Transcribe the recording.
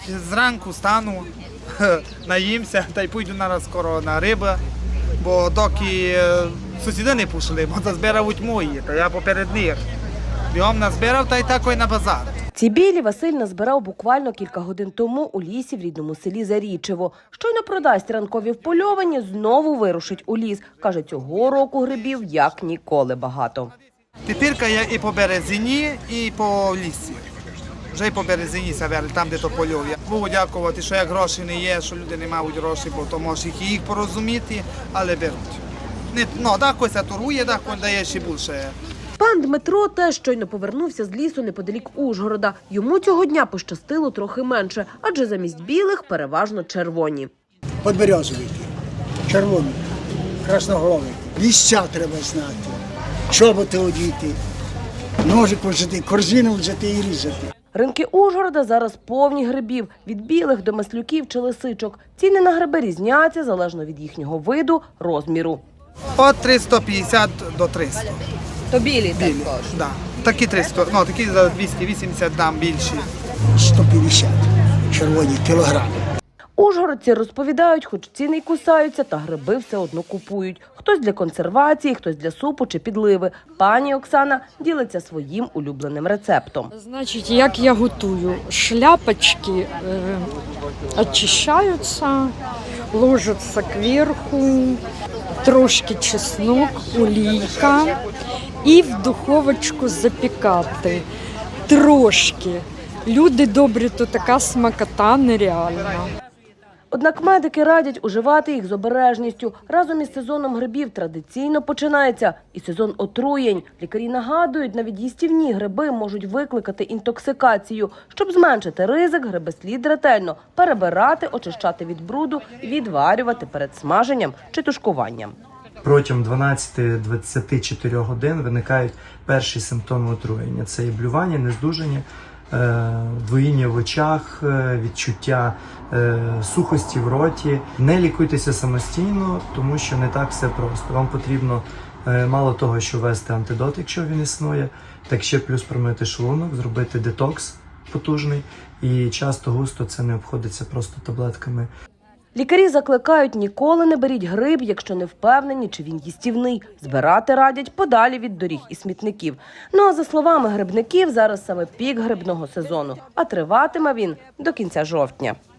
Зранку стану, наїмся та й пойду нараз скоро на риби, бо доки сусіди не пішли, бо збирають мої, то я поперед них. Бігом назбирав та й такий на базар. Ці білі Василь назбирав буквально кілька годин тому у лісі в рідному селі Зарічево. Щойно продасть ранкові впольовані, знову вирушить у ліс. Каже, цього року грибів як ніколи багато. Тепер я і по березині, і по лісі. Вже й по березині саверли, там, де то польов. Богу дякувати, що як гроші не є, що люди не мають грошей, бо то може їх порозуміти, але беруть. Декось торгує, декось дає ще більше. Пан Дмитро теж щойно повернувся з лісу неподалік Ужгорода. Йому цього дня пощастило трохи менше, адже замість білих переважно червоні. Подберезовики, червоні, красноголові. Місця треба знати, чоботи одіти, ножик взяти, корзину взяти і різати. Ринки Ужгорода зараз повні грибів – від білих до маслюків чи лисичок. Ціни на гриби різняться залежно від їхнього виду, розміру. От 350 до 300. То білі Білі, да. Такі 300, такі за 280 дам більші. 150 червоні кілограми. Ужгородці розповідають, хоч ціни й кусаються, та гриби все одно купують. Хтось для консервації, хтось для супу чи підливи. Пані Оксана ділиться своїм улюбленим рецептом. Значить, як я готую? Шляпочки очищаються, ложаться кверху, трошки чеснок, олійка і в духовочку запікати. Трошки. Люди добрі, то така смакота нереальна. Однак медики радять уживати їх з обережністю. Разом із сезоном грибів традиційно починається і сезон отруєнь. Лікарі нагадують, навіть їстівні гриби можуть викликати інтоксикацію. Щоб зменшити ризик, гриби слід ретельно перебирати, очищати від бруду і відварювати перед смаженням чи тушкуванням. Протягом 12-24 годин виникають перші симптоми отруєння. Це і блювання, нездужання, двоїння в очах, відчуття сухості в роті. Не лікуйтеся самостійно, тому що не так все просто. Вам потрібно мало того, що ввести антидот, якщо він існує, так ще плюс промити шлунок, зробити детокс потужний. І часто-густо це не обходиться просто таблетками. Лікарі закликають, ніколи не беріть гриб, якщо не впевнені, чи він їстівний. Збирати радять подалі від доріг і смітників. Ну а за словами грибників, зараз саме пік грибного сезону, а триватиме він до кінця жовтня.